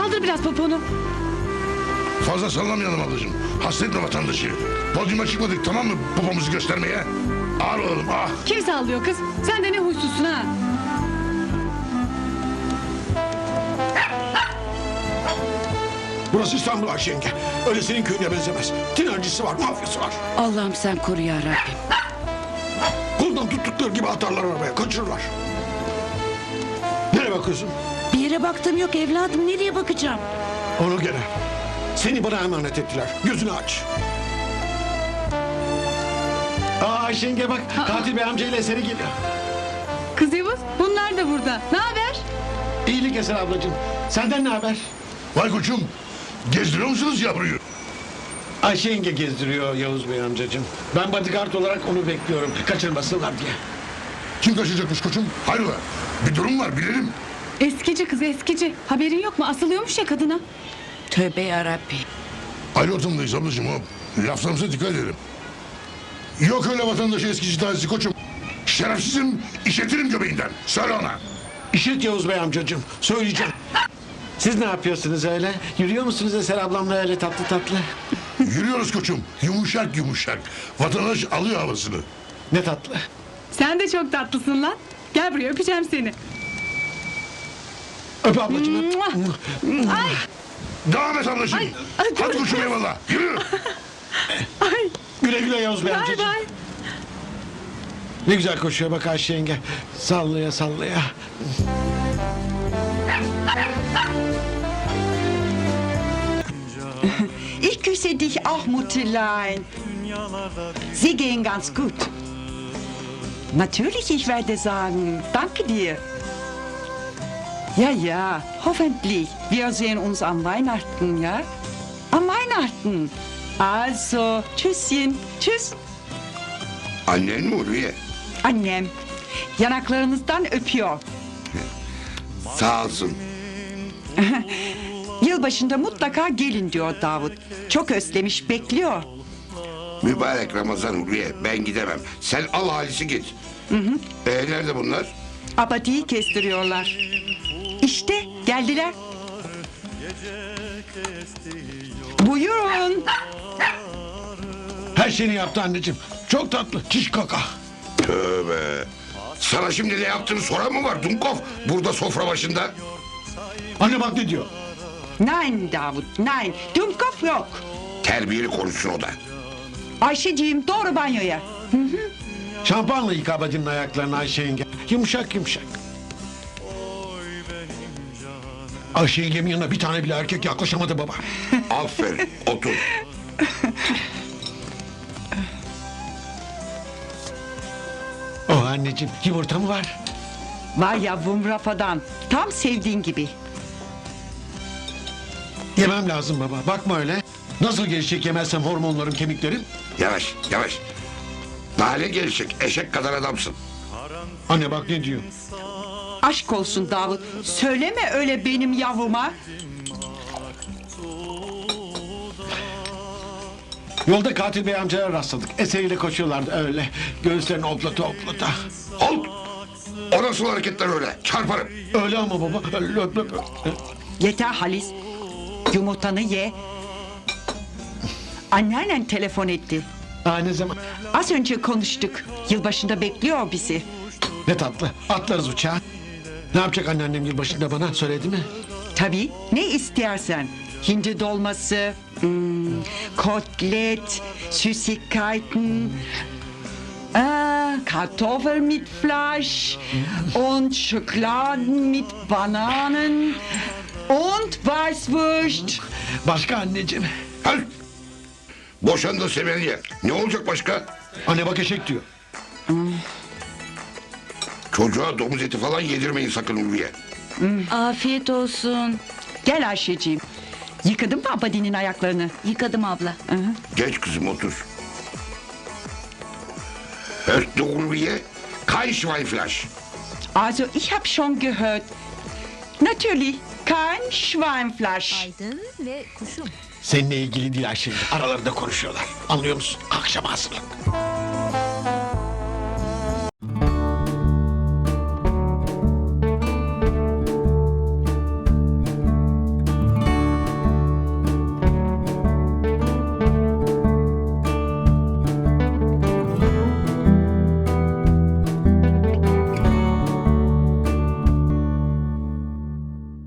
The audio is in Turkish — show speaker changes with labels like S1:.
S1: Kaldır biraz poponu.
S2: Fazla sallamayalım ablacığım. Hasta etme vatandaşı. Podyuma çıkmadık tamam mı popomuzu göstermeye? Ağır oğlum ah.
S1: Kim sallıyor kız? Sen de ne huysuzsun ha?
S3: Burası İstanbul Ayşe yenge. Öyle senin köyüne benzemez. Tinercisi var, mafyası var.
S4: Allah'ım sen koru ya Rabbim.
S3: Koldan tuttukları gibi atarlar arabaya, kaçırırlar. Nereye bakıyorsun?
S4: Bir yere baktım yok evladım, nereye bakacağım?
S3: Onu gene. Seni bana emanet ettiler. Gözünü aç. Ayşe yenge bak, katil bey amcayla Eseri geliyor.
S1: Kız Yavuz, bunlar da burada. Ne haber?
S3: İyilik Eser ablacığım. Senden ne haber?
S2: Vay koçum. Gezdiriyor musunuz yavruyu?
S3: Ayşe yenge gezdiriyor Yavuz Bey amcacığım. Ben bodyguard olarak onu bekliyorum. Kaçırmasınlar diye.
S2: Kim kaçacakmış koçum? Hayrola? Bir durum var bilelim.
S1: Eskici kız eskici. Haberin yok mu? Asılıyormuş ya kadına.
S4: Tövbe ya Rabbi.
S2: Ayrı ortamdayız ablacığım o. Laflarımıza dikkat edelim. Yok öyle vatandaşı eskici tazisi koçum. Şerefsizim işletirim göbeğinden. Söyle ona.
S3: İşit Yavuz Bey amcacığım. Söyleyeceğim. Siz ne yapıyorsunuz öyle? Yürüyor musunuz Eser ablamla öyle tatlı tatlı?
S2: Yürüyoruz koçum. Yumuşak yumuşak. Vatandaş alıyor havasını.
S3: Ne tatlı.
S1: Sen de çok tatlısın lan. Gel buraya öpeceğim seni.
S3: Öp ablacığım öp.
S1: Ay
S2: Devam et ablacığım.
S1: ay,
S2: Hadi
S1: dur.
S2: koçum eyvallah. Yürü.
S1: ay.
S3: Güle güle Yavuz Bey
S1: Bay
S3: amcacığım.
S1: bay.
S3: Ne güzel koşuyor bak Ayşe yenge. Sallaya sallaya.
S5: Ich küsse dich auch, Mutterlein. Sie gehen ganz gut. Natürlich, ich werde sagen, danke dir. Ja, ja, hoffentlich. Wir sehen uns am Weihnachten, ja? Am Weihnachten. Also, tschüsschen, tschüss.
S2: Annen mi Ulviye?
S5: Annem, yanaklarınızdan öpüyor.
S2: Sağ olsun.
S5: Yılbaşında mutlaka gelin diyor Davut. Çok özlemiş, bekliyor.
S2: Mübarek Ramazan Ulviye. Ben gidemem. Sen al Halis'i git. Nerede bunlar?
S5: Abadiyi kestiriyorlar. İşte geldiler. Buyurun.
S3: Her şeyini yaptı anneciğim. Çok tatlı. Çiş kaka.
S2: Tövbe. Sana şimdi ne yaptığını soran mı var Dumkov? Burada sofra başında.
S3: Anne bak ne diyor.
S5: Nein Davut, nein. Dumkopf yok.
S2: Terbiyeli konuşsun o da.
S5: Ayşeciğim doğru banyoya.
S3: Şampuanla yıka bacının ayaklarını Ayşe yenge. Yumuşak yumuşak. Ayşe yengemin yanına bir tane bile erkek yaklaşamadı baba.
S2: Aferin. Otur.
S3: Oh anneciğim yumurta mı var?
S5: Var yavrum rafadan. Tam sevdiğin gibi.
S3: Yemem lazım baba. Bakma öyle. Nasıl gelişecek yemezsem hormonlarım kemiklerim?
S2: Yavaş yavaş. Daha ne gelişecek? Eşek kadar adamsın.
S3: Anne bak ne diyor.
S5: Aşk olsun Davut. Söyleme öyle benim yavruma.
S3: Yolda katil bey amcalara rastladık. Eseriyle koşuyorlardı öyle. Göğüslerini oplata oplata.
S2: Al. O nasıl hareketler öyle? Çarparım.
S3: Öyle ama baba. Öyle, öyle, öyle.
S5: Yeter Halis. Yumurtanı ye. Anneannen telefon etti.
S3: Aa, ne zaman?
S5: Az önce konuştuk. Yılbaşında bekliyor bizi.
S3: Ne tatlı. Atlarız uçağa. Ne yapacak anneannem yılbaşında bana söyledi mi?
S5: Tabii ne istersen. Hindi dolması, Kotlet, Süßigkeiten, Kartoffel mit Fleisch und Schokoladen mit Bananen und Weißwurst.
S3: Başka anneciğim.
S2: Hal. Boşandı Semeniye. Ne olacak başka?
S3: Anne bak eşek diyor.
S2: Çocuğa domuz eti falan yedirmeyin sakın Ulviye.
S4: Afiyet olsun.
S5: Gel Ayşeciğim. Yıkadın mı Abadi'nin ayaklarını?
S4: Yıkadım abla.
S2: Geç kızım otur. Hört du Ulviye. Kein Schweinfleisch.
S5: Also ich habe schon gehört. Natürlich kein Schweinfleisch.
S6: Aydın ve kuşum.
S3: Seninle ilgili değil Ayşe. Aralarında konuşuyorlar. Anlıyor musun? Akşam hazırlık.